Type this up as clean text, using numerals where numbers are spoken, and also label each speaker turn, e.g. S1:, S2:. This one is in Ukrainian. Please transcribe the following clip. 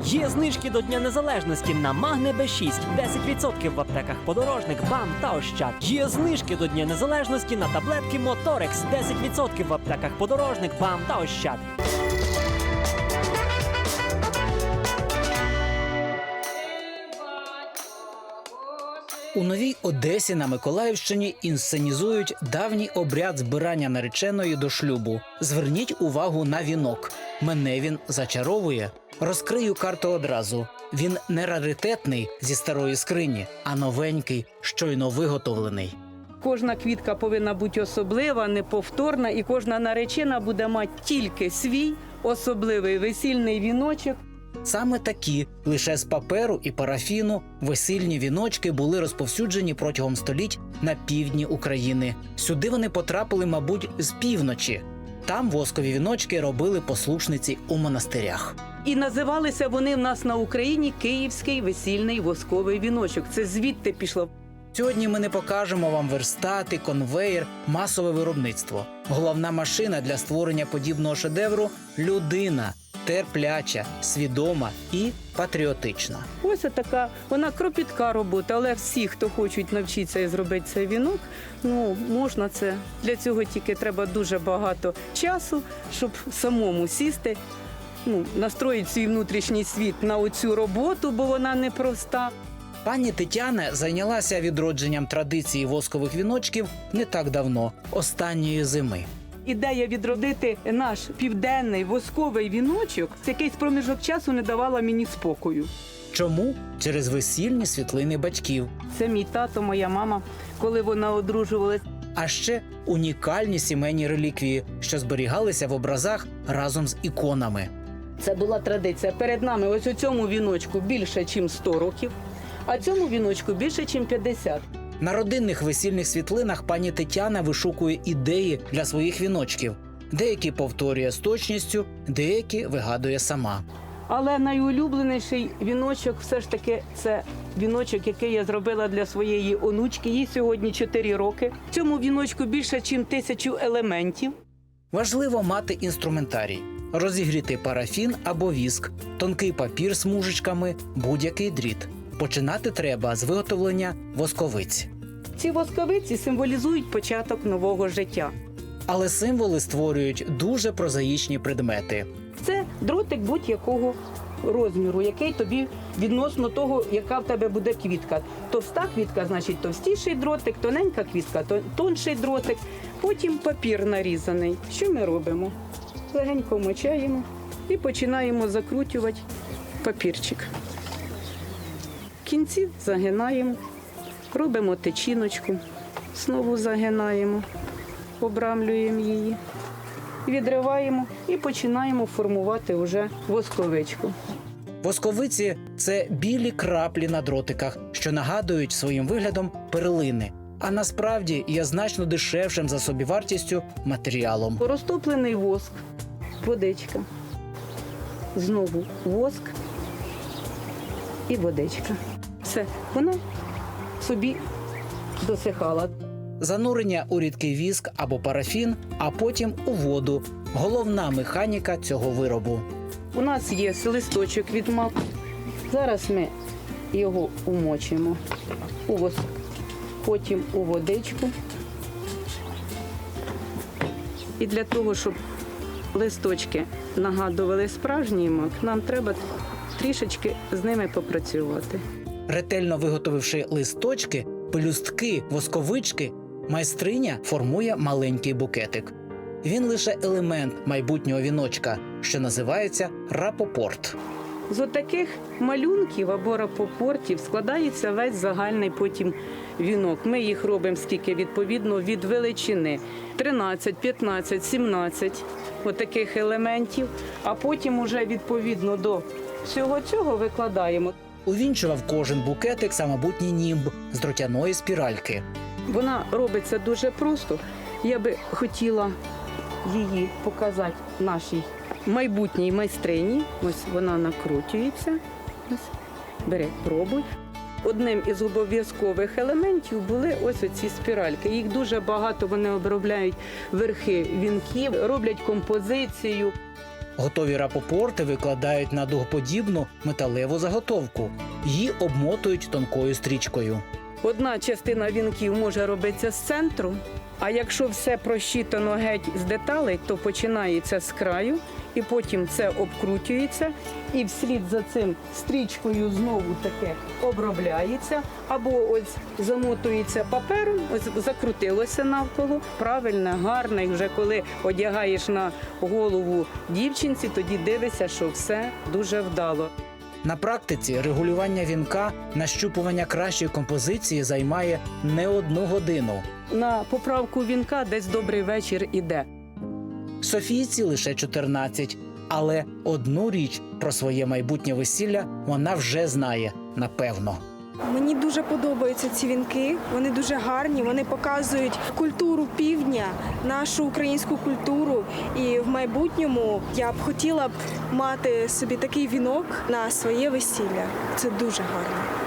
S1: Є знижки до Дня Незалежності на Магне Б6, 10% в аптеках Подорожник, БАМ та Ощад. Є знижки до Дня Незалежності на таблетки Моторекс, 10% в аптеках Подорожник, БАМ та Ощад.
S2: У Новій Одесі на Миколаївщині інсценізують давній обряд збирання нареченої до шлюбу. Зверніть увагу на вінок. Мене він зачаровує. Розкрию карту одразу. Він не раритетний зі старої скрині, а новенький, щойно виготовлений.
S3: Кожна квітка повинна бути особлива, неповторна, і кожна наречена буде мати тільки свій особливий весільний віночок.
S2: Саме такі, лише з паперу і парафіну, весільні віночки були розповсюджені протягом століть на півдні України. Сюди вони потрапили, мабуть, з півночі. Там воскові віночки робили послушниці у монастирях.
S3: І називалися вони в нас на Україні «Київський весільний восковий віночок». Це звідти пішло.
S2: Сьогодні ми не покажемо вам верстати, конвеєр, масове виробництво. Головна машина для створення подібного шедевру – людина. Терпляча, свідома і патріотична.
S3: Ось така, вона кропітка робота, але всі, хто хочуть навчитися і зробити цей вінок, можна це. Для цього тільки треба дуже багато часу, щоб самому сісти, настроїти свій внутрішній світ на оцю роботу, бо вона непроста.
S2: Пані Тетяна зайнялася відродженням традиції воскових віночків не так давно, останньої зими.
S3: Ідея відродити наш південний восковий віночок з якийсь проміжок часу не давала мені спокою.
S2: Чому? Через весільні світлини батьків.
S3: Це мій тато, моя мама, коли вона одружувалась.
S2: А ще унікальні сімейні реліквії, що зберігалися в образах разом з іконами.
S3: Це була традиція. Перед нами ось у цьому віночку більше, ніж 100 років, а цьому віночку більше, ніж 50.
S2: На родинних весільних світлинах пані Тетяна вишукує ідеї для своїх віночків. Деякі повторює з точністю, деякі вигадує сама.
S3: Але найулюбленіший віночок все ж таки це віночок, який я зробила для своєї онучки. Їй сьогодні 4 роки. В цьому віночку більше, ніж 1000 елементів.
S2: Важливо мати інструментарій. Розігріти парафін або віск, тонкий папір з мужичками, будь-який дріт. Починати треба з виготовлення восковиць.
S3: Ці восковиці символізують початок нового життя.
S2: Але символи створюють дуже прозаїчні предмети.
S3: Це дротик будь-якого розміру, який тобі відносно того, яка в тебе буде квітка. Товста квітка, значить товстіший дротик, тоненька квітка, тонший дротик. Потім папір нарізаний. Що ми робимо? Легенько вмочаємо і починаємо закручувати папірчик. В кінці загинаємо, робимо течіночку, знову загинаємо, обрамлюємо її, відриваємо і починаємо формувати вже восковичку.
S2: Восковиці – це білі краплі на дротиках, що нагадують своїм виглядом перлини. А насправді є значно дешевшим за собівартістю матеріалом.
S3: Розтоплений воск, водичка, знову воск і водичка. Все, вона собі досихала.
S2: Занурення у рідкий віск або парафін, а потім у воду – головна механіка цього виробу.
S3: У нас є листочок від маку. Зараз ми його умочимо у воск, потім у водичку. І для того, щоб листочки нагадували справжній мак, нам треба трішечки з ними попрацювати.
S2: Ретельно виготовивши листочки, пелюстки, восковички, майстриня формує маленький букетик. Він лише елемент майбутнього віночка, що називається рапопорт.
S3: З отаких малюнків або рапопортів складається весь загальний потім вінок. Ми їх робимо скільки відповідно від величини. 13, 15, 17 отаких елементів, а потім уже відповідно до всього цього викладаємо.
S2: Увінчував кожен букетик самобутній німб з дротяної спіральки.
S3: Вона робиться дуже просто. Я би хотіла її показати нашій майбутній майстрині. Ось вона накручується. Ось, бери, пробуй. Одним із обов'язкових елементів були ось оці спіральки. Їх дуже багато, вони обробляють верхи вінків, роблять композицію.
S2: Готові рапопорти викладають на дугоподібну металеву заготовку. Її обмотують тонкою стрічкою.
S3: Одна частина вінків може робитися з центру, а якщо все просчитано геть з деталей, то починається з краю, і потім це обкручується, і вслід за цим стрічкою знову таке обробляється, або ось замотується папером, ось закрутилося навколо, правильно, гарно, і вже коли одягаєш на голову дівчинці, тоді дивишся, що все дуже вдало.
S2: На практиці регулювання вінка, нащупування кращої композиції займає не 1 годину.
S3: На поправку вінка десь добрий вечір іде.
S2: Софійці лише 14. Але одну річ про своє майбутнє весілля вона вже знає, напевно.
S4: Мені дуже подобаються ці вінки, вони дуже гарні, вони показують культуру півдня, нашу українську культуру. І в майбутньому я б хотіла б мати собі такий вінок на своє весілля. Це дуже гарно.